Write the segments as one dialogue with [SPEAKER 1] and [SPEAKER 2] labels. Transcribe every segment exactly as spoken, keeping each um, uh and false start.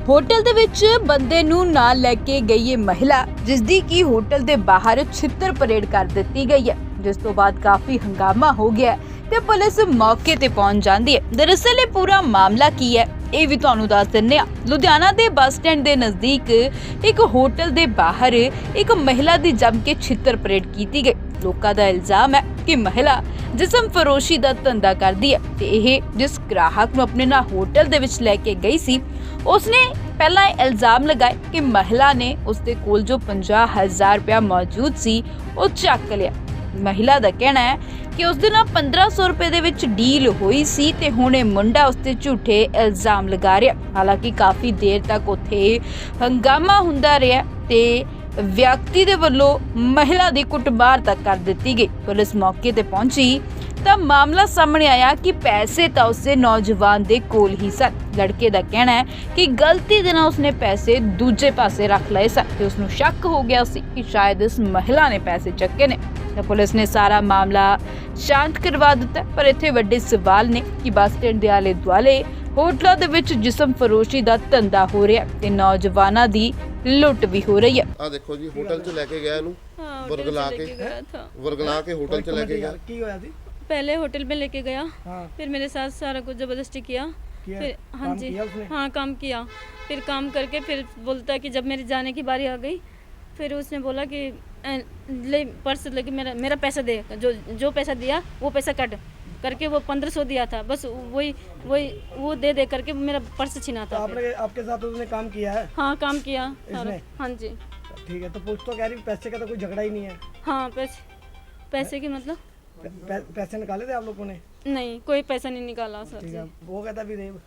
[SPEAKER 1] Hotel ਦੇ ਵਿੱਚ ਬੰਦੇ ਨੂੰ ਨਾਲ ਲੈ ਕੇ ਗਈ ਇਹ ਮਹਿਲਾ, ਜਿਸ ਦੀ ਕੀ ਹੋਟਲ ਦੇ ਬਾਹਰ ਛਿੱਤਰ ਪਰੇਡ ਕਰ ਦਿੱਤੀ ਗਈ ਹੈ, ਜਿਸ ਤੋਂ ਬਾਅਦ ਕਾਫੀ ਹੰਗਾਮਾ ਹੋ ਗਿਆ ਤੇ ਪੁਲਿਸ ਮੌਕੇ ਤੇ ਪਹੁੰਚ ਜਾਂਦੀ ਹੈ। ਦਰਅਸਲ ਇਹ ਪੂਰਾ ਮਾਮਲਾ ਕੀ ਹੈ ਇਹ ਵੀ ਤੁਹਾਨੂੰ ਦੱਸ ਦਿੰਨੇ ਆ। ਲੁਧਿਆਣਾ ਦੇ ਬੱਸ ਸਟੈਂਡ ਦੇ ਨਜ਼ਦੀਕ ਇੱਕ ਹੋਟਲ ਦੇ ਬਾਹਰ ਇੱਕ ਮਹਿਲਾ ਦੀ ਜੰਮ ਕੇ ਛਿੱਤਰ ਪਰੇਡ ਕੀਤੀ ਗਈ। ਲੋਕਾਂ ਦਾ ਇਲਜ਼ਾਮ ਹੈ ਕਿ ਮਹਿਲਾ ਜਿਸਮ ਫਰੋਸ਼ੀ ਦਾ ਧੰਦਾ ਕਰਦੀ ਹੈ ਤੇ ਇਹ ਜਿਸ ਗ੍ਰਾਹਕ ਨੂੰ ਆਪਣੇ ਨਾਲ ਹੋਟਲ ਦੇ ਵਿੱਚ ਲੈ ਕੇ ਗਈ ਸੀ, ਉਸਨੇ ਪਹਿਲਾਂ ਇਹ ਇਲਜ਼ਾਮ ਲਗਾਏ ਕਿ ਮਹਿਲਾ ਨੇ ਉਸਦੇ ਕੋਲ ਜੋ ਪੰਜਾਹ ਹਜ਼ਾਰ ਰੁਪਇਆ ਮੌਜੂਦ ਸੀ ਉਹ ਚੱਕ ਲਿਆ। ਮਹਿਲਾ ਦਾ ਕਹਿਣਾ ਹੈ ਕਿ ਉਸ ਦੇ ਨਾਲ ਪੰਦਰਾਂ ਸੌ ਰੁਪਏ ਦੇ ਵਿੱਚ ਡੀਲ ਹੋਈ ਸੀ ਤੇ ਹੁਣ ਇਹ ਮੁੰਡਾ ਉਸ ਤੇ ਝੂਠੇ ਇਲਜ਼ਾਮ ਲਗਾ ਰਿਹਾ। ਹਾਲਾਂਕਿ ਕਾਫੀ ਦੇਰ ਤੱਕ ਉੱਥੇ ਹੰਗਾਮਾ ਹੁੰਦਾ ਰਿਹਾ ਤੇ ਵਿਅਕਤੀ ਦੇ ਵੱਲੋਂ ਮਹਿਲਾ ਦੀ ਕੁੱਟਮਾਰ ਤੱਕ ਕਰ ਦਿੱਤੀ ਗਈ। ਪੁਲਿਸ ਮੌਕੇ ਤੇ ਪਹੁੰਚੀ ਤਾਂ ਮਾਮਲਾ ਸਾਹਮਣੇ ਆਇਆ ਕਿ ਪੈਸੇ ਤਾਂ ਉਸੇ ਨੌਜਵਾਨ ਦੇ ਕੋਲ ਹੀ ਸਨ। ਲੜਕੇ ਦਾ ਕਹਿਣਾ ਹੈ ਕਿ ਗਲਤੀ ਦੇ ਨਾਲ ਉਸਨੇ ਪੈਸੇ ਦੂਜੇ ਪਾਸੇ ਰੱਖ ਲਏ ਸਨ ਤੇ ਉਸਨੂੰ ਸ਼ੱਕ ਹੋ ਗਿਆ ਸੀ ਕਿ ਸ਼ਾਇਦ ਇਸ ਮਹਿਲਾ ਨੇ ਪੈਸੇ ਚੱਕੇ ਨੇ। ਤਾਂ ਪੁਲਿਸ ਨੇ ਸਾਰਾ ਮਾਮਲਾ ਸ਼ਾਂਤ ਕਰਵਾ ਦਿੱਤਾ, ਪਰ ਇੱਥੇ ਵੱਡੇ ਸਵਾਲ ਨੇ ਕਿ ਬੱਸ ਸਟੈਂਡ ਦੇ ਆਲੇ ਦੁਆਲੇ ਹੋਟਲਾਂ ਦੇ ਵਿੱਚ ਜਿਸਮ ਫਰੋਸ਼ੀ ਦਾ ਧੰਦਾ ਹੋ ਰਿਹਾ ਤੇ ਨੌਜਵਾਨਾਂ ਦੀ ਲੁੱਟ ਵੀ ਹੋ ਰਹੀ ਹੈ।
[SPEAKER 2] ਆ ਦੇਖੋ ਜੀ, ਹੋਟਲ 'ਚ ਲੈ ਕੇ ਗਿਆ ਇਹਨੂੰ, ਵਰਗਲਾ के वरगला के होटल से लेके गया।
[SPEAKER 3] की होया थी?
[SPEAKER 4] पहले होटल में लेके गया,
[SPEAKER 3] हाँ।
[SPEAKER 4] फिर मेरे साथ सारा कुछ जबरदस्ती किया,
[SPEAKER 3] किया?
[SPEAKER 4] फिर हाँ
[SPEAKER 3] काम
[SPEAKER 4] जी
[SPEAKER 3] किया उसने?
[SPEAKER 4] हाँ काम किया। फिर काम करके फिर बोलता है कि जब मेरे जाने की बारी आ गई, फिर उसने बोला कि "ए, ले पर्स लेके मेरा मेरा पैसा दे, जो जो पैसा दिया वो पैसा कट करके वो पंद्रह सौ दिया था, बस वही वही वो दे दे करके मेरा पर्स छीना
[SPEAKER 3] तो
[SPEAKER 4] था।
[SPEAKER 3] आपने आपके साथ उसने काम किया है?
[SPEAKER 4] हाँ काम किया सारा।
[SPEAKER 3] इसने?
[SPEAKER 4] हाँ जी
[SPEAKER 3] ठीक है, तो पुलिस तो कह रही पैसे का तो कोई झगड़ा ही नहीं है।
[SPEAKER 4] हाँ पैसे पैसे की मतलब
[SPEAKER 3] पै, पै, पैसे निकाले थे आप लोगों ने?
[SPEAKER 4] नहीं, कोई पैसा नहीं निकाला सर
[SPEAKER 3] ठीक
[SPEAKER 4] जी।
[SPEAKER 3] है, वो कहता भी नहीं।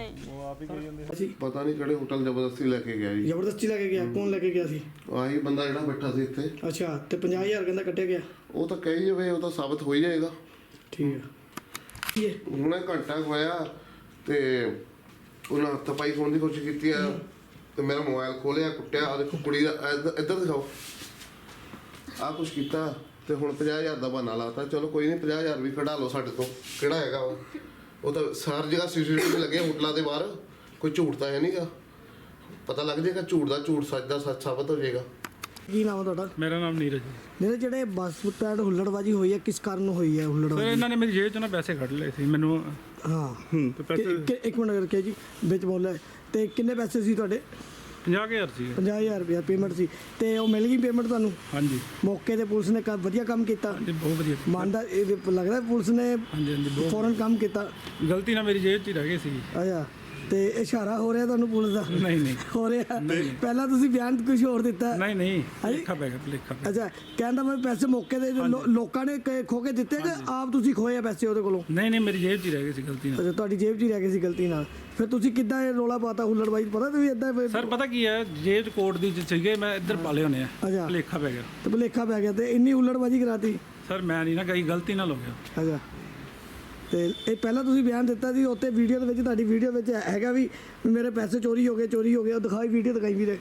[SPEAKER 4] नहीं
[SPEAKER 2] पता नहीं किहड़े होटल जबरदस्ती लेके गया जी।
[SPEAKER 3] ਜ਼ਬਰਦਸਤੀ ਲੈ ਕੇ ਗਿਆ ਕੌਣ ਲੈ ਕੇ ਗਿਆ ਸੀ?
[SPEAKER 2] ਆਹੀ ਬੰਦਾ ਜਿਹੜਾ ਬੈਠਾ ਸੀ ਇੱਥੇ।
[SPEAKER 3] ਅੱਛਾ, ਤੇ ਪੰਜਾਹ ਹਜ਼ਾਰ ਕਹਿੰਦਾ ਕੱਟਿਆ ਗਿਆ।
[SPEAKER 2] ਉਹ ਤਾਂ ਕਹੀ ਜਾਵੇ, ਉਹ ਤਾਂ ਸਾਬਤ ਹੋ ਹੀ ਜਾਏਗਾ।
[SPEAKER 3] ਠੀਕ ਹੈ, ਇਹ
[SPEAKER 2] ਹੁਣੇ ਘੰਟਾ ਕੁ ਹੋਇਆ ਤੇ ਉਹਨਾਂ ਹੱਥ-ਪਾਈ ਖੋਣ ਦੀ ਕੋਸ਼ਿਸ਼ ਕੀਤੀ ਆ ਤੇ ਮੇਰਾ ਮੋਬਾਈਲ ਖੋਲਿਆ, ਕੁੱਟਿਆ। ਆ ਦੇਖੋ ਕੁੜੀ ਦਾ ਇੱਧਰ ਇੱਧਰ ਦਿਖਾਓ, ਆਹ ਕੁਛ ਕੀਤਾ ਤੇ ਹੁਣ ਪੰਜਾਹ ਹਜ਼ਾਰ ਦਾ ਬਹਾਨਾ ਲਾਤਾ। ਚਲੋ ਕੋਈ ਨਹੀਂ, ਪੰਜਾਹ ਹਜ਼ਾਰ ਵੀ ਕਢਾ ਲਓ ਸਾਡੇ ਤੋਂ, ਕਿਹੜਾ ਹੈਗਾ ਉਹ ਉਹ ਤਾਂ ਸਾਰੀ ਜਗ੍ਹਾ ਸੀਸੀਟੀਵੀ ਲੱਗੇ ਹੋਟਲਾਂ ਦੇ ਬਾਹਰ, ਕੋਈ ਝੂਠ ਤਾਂ ਹੈ ਨਹੀਂਗਾ। ਪਤਾ ਲੱਗ ਜਾਏਗਾ ਝੂਠ ਦਾ ਝੂਠ, ਸੱਚ ਦਾ ਸੱਚ ਸਾਬਤ ਹੋ ਜਾਏਗਾ।
[SPEAKER 3] ਕੀ ਨਾਮ ਹੈ ਤੁਹਾਡਾ?
[SPEAKER 5] ਮੇਰਾ ਨਾਮ ਨੀਰਜ ਹੈ।
[SPEAKER 3] ਮੇਰੇ ਜਿਹੜੇ ਬੱਸ ਸਟੈਂਡ ਹੁੱਲੜਬਾਜੀ ਹੋਈ ਹੈ, ਕਿਸ ਕਾਰਨ ਹੋਈ ਹੈ
[SPEAKER 5] ਸਰ
[SPEAKER 3] ਹੁੱਲੜਬਾਜੀ?
[SPEAKER 5] ਇਹਨਾਂ ਨੇ ਮੇਰੀ ਜੇਬ ਚੋਂ ਨਾ ਪੈਸੇ ਕੱਢ ਲਏ ਸੀ ਮੈਨੂੰ।
[SPEAKER 3] ਹਾਂ,
[SPEAKER 5] ਤੇ ਪੈਸੇ
[SPEAKER 3] ਕਿ- ਕਿ- ਇੱਕ ਮਿੰਟ ਕਰਕੇ ਜੀ ਵਿੱਚ ਬੋਲਿਆ। ਤੇ ਕਿੰਨੇ ਪੈਸੇ ਸੀ ਤੁਹਾਡੇ?
[SPEAKER 5] ਪੰਜਾਹ ਕੁ ਹਜ਼ਾਰ ਸੀ।
[SPEAKER 3] ਪੰਜਾਹ ਹਜ਼ਾਰ ਰੁਪਇਆ ਪੇਮੈਂਟ ਸੀ ਤੇ ਉਹ ਮਿਲ ਗਈ ਪੇਮੈਂਟ ਤੁਹਾਨੂੰ?
[SPEAKER 5] ਹਾਂਜੀ
[SPEAKER 3] ਮੌਕੇ ਤੇ ਪੁਲਿਸ ਨੇ ਕ- ਵਧੀਆ ਕੰਮ ਕੀਤਾ।
[SPEAKER 5] ਹਾਂਜੀ ਬਹੁਤ ਵਧੀਆ।
[SPEAKER 3] ਮੰਨਦਾ ਇਹ ਲੱਗਦਾ ਪੁਲਿਸ ਨੇ
[SPEAKER 5] ਹਾਂਜੀ ਹਾਂਜੀ ਬਹੁਤ
[SPEAKER 3] ਫੌਰਨ ਕੰਮ ਕੀਤਾ।
[SPEAKER 5] ਗਲਤੀ ਨਾਲ ਮੇਰੀ ਜੇਬ 'ਚ ਹੀ ਰਹਿ ਗਈ ਸੀ।
[SPEAKER 3] ਅੱਛਾ, ਤੇ ਇਸ਼ਾਰਾ ਹੋ ਰਿਹਾ ਤੁਹਾਨੂੰ ਪੁਲਿਸ ਦਾ?
[SPEAKER 5] ਨਹੀਂ ਨਹੀਂ
[SPEAKER 3] ਹੋ ਰਿਹਾ। ਪਹਿਲਾਂ ਤੁਸੀਂ ਬਿਆਨ ਕੁਝ ਹੋਰ ਦਿੱਤਾ।
[SPEAKER 5] ਨਹੀਂ ਨਹੀਂ
[SPEAKER 3] ਹਾਂਜੀ?
[SPEAKER 5] ਲਿਖਾ ਪੈ ਗਿਆ, ਲਿਖਾ ਪੈ
[SPEAKER 3] ਅੱਛਾ, ਕਹਿੰਦਾ ਮੈਂ ਪੈਸੇ ਮੌਕੇ ਦੇ ਲੋ- ਲੋਕਾਂ ਨੇ ਕ- ਖੋ ਕੇ ਦਿੱਤੇ ਕਿ ਆਪ ਤੁਸੀਂ ਖੋਏ ਆ ਪੈਸੇ ਉਹਦੇ ਕੋਲੋਂ?
[SPEAKER 5] ਨਹੀਂ ਨਹੀਂ ਮੇਰੀ ਜੇਬ 'ਚ ਹੀ ਰਹਿ ਗਈ ਸੀ ਗਲਤੀ ਨਾਲ।
[SPEAKER 3] ਅੱਛਾ, ਤੁਹਾਡੀ ਜੇਬ 'ਚ ਹੀ ਰਹਿ ਗਏ ਸੀ ਗਲਤੀ ਨਾਲ। ਫਿਰ ਤੁਸੀਂ ਕਿੱਦਾਂ ਇਹ ਰੋਲਾ ਪਾਤਾ ਹੁੱਲੜਬਾਜੀ? ਪਤਾ ਤੁਸੀਂ ਇਦਾਂ?
[SPEAKER 5] ਸਰ ਪਤਾ ਕੀ ਹੈ, ਜੇਬ 'ਚ ਕੋਟ ਦੀ ਚ ਸੀਗੇ, ਮੈਂ ਇੱਧਰ ਪਾ ਲਏ ਹੋਣੇ ਆ।
[SPEAKER 3] ਅੱਛਾ,
[SPEAKER 5] ਲਿਖਾ ਪੈ ਗਿਆ।
[SPEAKER 3] ਤੇ ਭੁਲੇਖਾ ਪੈ ਗਿਆ ਤੇ ਇੰਨੀ ਹੁੱਲੜਬਾਜੀ ਕਰਾਤੀ।
[SPEAKER 5] ਸਰ ਮੈਂ ਨਹੀਂ ਨਾ ਗਈ, ਗਲਤੀ ਨਾਲ ਹੋ ਗਿਆ।
[SPEAKER 3] ਅੱਛਾ, ਤੇ ਇਹ ਪਹਿਲਾਂ ਤੁਸੀਂ ਬਿਆਨ ਦਿੱਤਾ ਸੀ ਉੱਤੇ ਵੀਡੀਓ ਦੇ ਵਿੱਚ, ਤੁਹਾਡੀ ਵੀਡੀਓ ਵਿੱਚ ਹੈਗਾ ਵੀ ਵੀ ਮੇਰੇ ਪੈਸੇ ਚੋਰੀ ਹੋ ਗਏ ਚੋਰੀ ਹੋ ਗਏ। ਉਹ ਦਿਖਾਈ ਵੀਡੀਓ ਦਿਖਾਈ ਵੀਰੇ,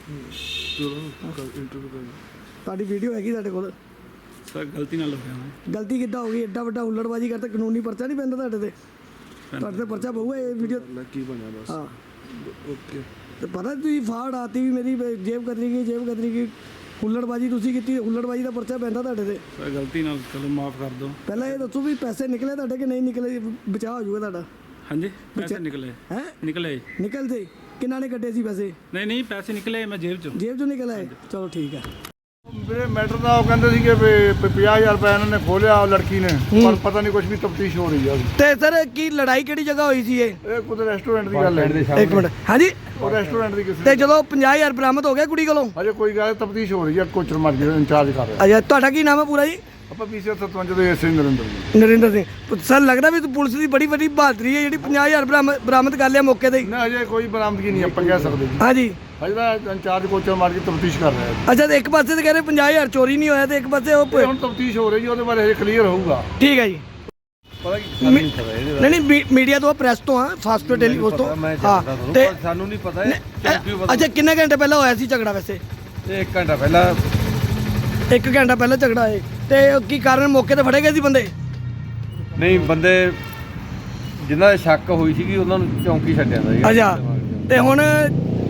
[SPEAKER 3] ਤੁਹਾਡੀ ਵੀਡੀਓ ਹੈਗੀ ਤੁਹਾਡੇ ਕੋਲ?
[SPEAKER 5] ਸਰ ਗਲਤੀ ਨਾਲ ਹੋ ਗਿਆ ਮੈਂ।
[SPEAKER 3] ਗਲਤੀ ਕਿੱਦਾਂ ਹੋ ਗਈ? ਐਡਾ ਵੱਡਾ ਹੁੱਲੜਬਾਜੀ ਕਰਤਾ, ਕਾਨੂੰਨੀ ਪਰਚਾ ਨਹੀਂ ਪੈਂਦਾ ਤੁਹਾਡੇ ਤੇ? ਤੁਹਾਡੇ ਤੇ ਪਰਚਾ ਪਊਗਾ ਇਹ ਵੀਡੀਓ।
[SPEAKER 2] ਕੀ ਬਣਿਆ ਬਸ।
[SPEAKER 3] ਹਾਂ,
[SPEAKER 2] ਓਕੇ।
[SPEAKER 3] ਤੇ ਪਤਾ ਤੁਸੀਂ ਫਾੜ ਆਤੀ ਵੀ ਮੇਰੀ ਜੇਬ ਕਤਰੀ ਗਈ ਜੇਬ ਕਤਰੀ ਗਈ। ਹੁੱਲੜਬਾਜੀ ਤੁਸੀਂ ਕੀਤੀ, ਹੁੱਲੜਬਾਜੀ ਦਾ ਪਰਚਾ ਪੈਂਦਾ ਤੁਹਾਡੇ ਤੇ।
[SPEAKER 5] ਸਰ ਗਲਤੀ ਨਾਲ, ਚਲੋ ਮਾਫ ਕਰ ਦਿਓ।
[SPEAKER 3] ਪਹਿਲਾਂ ਇਹ ਦੱਸੋ ਵੀ ਪੈਸੇ ਨਿਕਲੇ ਤੁਹਾਡੇ ਕਿ ਨਹੀਂ ਨਿਕਲੇ? ਬਚਾਅ ਹੋ ਜਾਊਗਾ ਤੁਹਾਡਾ।
[SPEAKER 5] ਹਾਂਜੀ ਪੈਸੇ ਨਿਕਲੇ
[SPEAKER 3] ਹੈ?
[SPEAKER 5] ਨਿਕਲੇ
[SPEAKER 3] ਨਿਕਲਦੇ ਕਿੰਨਾ ਨੇ ਕੱਢੇ ਸੀ ਪੈਸੇ?
[SPEAKER 5] ਨਹੀਂ ਨਹੀਂ ਪੈਸੇ ਨਿਕਲੇ ਮੈਂ ਜੇਬ 'ਚੋਂ।
[SPEAKER 3] ਜੇਬ ਚੋਂ ਨਿਕਲ ਆਏ? ਚਲੋ ਠੀਕ ਹੈ।
[SPEAKER 6] ਮੇਰੇ ਮੈਟਰ ਦਾ ਉਹ ਕਹਿੰਦੇ ਸੀਗੇ ਵੀ ਪੰਜਾਹ ਹਜ਼ਾਰ ਰੁਪਏ ਇਹਨਾਂ ਨੇ ਖੋਲਿਆ ਉਹ ਲੜਕੀ ਨੇ, ਪਰ ਪਤਾ ਨਹੀਂ ਕੁਝ ਵੀ ਤਫਤੀਸ਼ ਹੋ ਰਹੀ ਹੈ।
[SPEAKER 3] ਤੇ ਸਰ ਕੀ ਲੜਾਈ ਕਿਹੜੀ ਜਗ੍ਹਾ ਹੋਈ ਸੀ ਇਹ?
[SPEAKER 6] ਇਹ ਕੋਈ ਰੈਸਟੋਰੈਂਟ ਦੀ ਗੱਲ ਹੈ।
[SPEAKER 3] ਇੱਕ ਮਿੰਟ, ਹਾਂਜੀ।
[SPEAKER 6] ਉਹ ਰੈਸਟੋਰੈਂਟ ਦੀ ਕਿਸੇ
[SPEAKER 3] ਤੇ ਜਦੋਂ ਪੰਜਾਹ ਹਜ਼ਾਰ ਬਰਾਮਦ ਹੋ ਗਿਆ ਕੁੜੀ ਕੋਲੋਂ?
[SPEAKER 6] ਅਜੇ ਕੋਈ ਗੱਲ ਤਫਤੀਸ਼ ਹੋ ਰਹੀ ਹੈ, ਕੋਚਰ ਮਾਰ ਕੇ ਇੰਚਾਰਜ ਕਰ ਰਿਹਾ।
[SPEAKER 3] ਅੱਛਾ, ਤੁਹਾਡਾ ਕੀ ਨਾਮ ਹੈ ਪੂਰਾ ਜੀ?
[SPEAKER 6] ਆਪਾਂ ਪੀਸੀਆਰ ਸਤਵੰਜ ਦੇ ਐਸਏ ਨਰਿੰਦਰ ਜੀ।
[SPEAKER 3] ਨਰਿੰਦਰ ਸਿੰਘ। ਸਰ ਲੱਗਦਾ ਵੀ ਪੁਲਿਸ ਦੀ ਬੜੀ ਵੱਡੀ ਬਹਾਦਰੀ ਹੈ ਜਿਹੜੀ ਪੰਜਾਹ ਹਜ਼ਾਰ ਬਰਾਮਦ ਬਰਾਮਦ ਕਰ ਲਿਆ ਮੌਕੇ ਤੇ ਹੀ।
[SPEAKER 6] ਨਾ ਅਜੇ ਕੋਈ ਬਰਾਮਦਗੀ ਨਹੀਂ ਆਪਾਂ ਕਹਿ ਸਕਦੇ ਜੀ।
[SPEAKER 3] ਹਾਂਜੀ,
[SPEAKER 6] ਅਜੇ ਤਾਂ ਇੰਚਾਰਜ ਕੋਚਰ ਮਾਰ ਕੇ ਤਫਤੀਸ਼ ਕਰ ਰਿਹਾ ਹੈ।
[SPEAKER 3] ਅੱਛਾ, ਤੇ ਇੱਕ ਪਾਸੇ ਤੇ ਕਹਿ ਰਹੇ ਪੰਜਾਹ ਹਜ਼ਾਰ ਚੋਰੀ ਨਹੀਂ ਹੋਇਆ ਤੇ ਇੱਕ ਪਾਸੇ ਉਹ
[SPEAKER 6] ਇਹ ਹੁਣ ਤਫਤੀਸ਼ ਹੋ ਰਹੀ ਹੈ, ਉਹਦੇ ਬਾਰੇ ਹਜੇ ਕਲੀਅਰ ਹੋਊਗਾ।
[SPEAKER 3] ਠੀਕ ਹੈ ਜੀ।
[SPEAKER 6] ਪਤਾ ਕੀ
[SPEAKER 3] ਮੀ- ਨਹੀਂ ਨਹੀਂ ਮੀ- ਮੀਡੀਆ ਤੋਂ ਪ੍ਰੈਸ ਤੋਂ ਆ, ਫਾਸਟ ਟੈਲੀ ਉਸ ਤੋਂ। ਹਾਂ, ਤੇ
[SPEAKER 7] ਸਾਨੂੰ ਨਹੀਂ ਪਤਾ ਹੈ
[SPEAKER 3] ਇਹ- ਅੱਛਾ, ਕਿੰਨੇ ਘੰਟੇ ਪਹਿਲਾਂ ਹੋਇਆ ਸੀ ਝਗੜਾ ਵੈਸੇ?
[SPEAKER 7] ਇਹ ਇੱਕ ਘੰਟਾ ਪਹਿਲਾਂ
[SPEAKER 3] ਇੱਕ ਘੰਟਾ ਪਹਿਲਾਂ ਝਗੜਾ ਹੈ ਤੇ ਕੀ ਕਾਰਨ ਮੌਕੇ ਤੇ ਫੜੇ ਗਏ ਸੀ ਬੰਦੇ?
[SPEAKER 7] ਨਹੀਂ ਬੰਦੇ ਜਿਨ੍ਹਾਂ ਦੇ ਸ਼ੱਕ ਹੋਈ ਸੀਗੀ ਉਹਨਾਂ ਨੂੰ ਚੌਂਕੀ ਛੱਡਿਆ ਦਾ ਜੀ।
[SPEAKER 3] ਅੱਛਾ, ਤੇ ਹੁਣ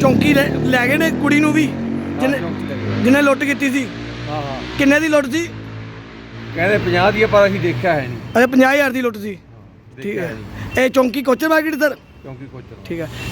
[SPEAKER 3] ਚੌਂਕੀ ਲੈ ਲੈ ਗਏ ਨੇ ਕੁੜੀ ਨੂੰ ਵੀ ਜਿਹਨੇ
[SPEAKER 7] ਚੌਂਕ 'ਚ ਲੈ ਗਏ।
[SPEAKER 3] ਜਿਹਨੇ ਲੁੱਟ ਕੀਤੀ ਸੀ?
[SPEAKER 7] ਹਾਂ ਹਾਂ
[SPEAKER 3] ਕਿੰਨੇ ਦੀ ਲੁੱਟ ਸੀ?
[SPEAKER 7] ਕਹਿੰਦੇ ਪੰਜਾਹ ਦੀ ਆ, ਪਰ ਅਸੀਂ ਦੇਖਿਆ ਹੈ ਨਹੀਂ।
[SPEAKER 3] ਅੱਛਾ ਪੰਜਾਹ ਹਜ਼ਾਰ ਦੀ ਲੁੱਟ ਸੀ। ਠੀਕ
[SPEAKER 7] ਦੇਖਿਆ
[SPEAKER 3] ਹੈ।
[SPEAKER 7] ਨਹੀਂ
[SPEAKER 3] ਇਹ ਚੌਂਕੀ ਕੋਚਰ ਮਾਰਕੀਟ ਸਰ?
[SPEAKER 7] ਕਿਉਂਕਿ ਕੁਝ
[SPEAKER 3] ਠੀਕ ਹੈ।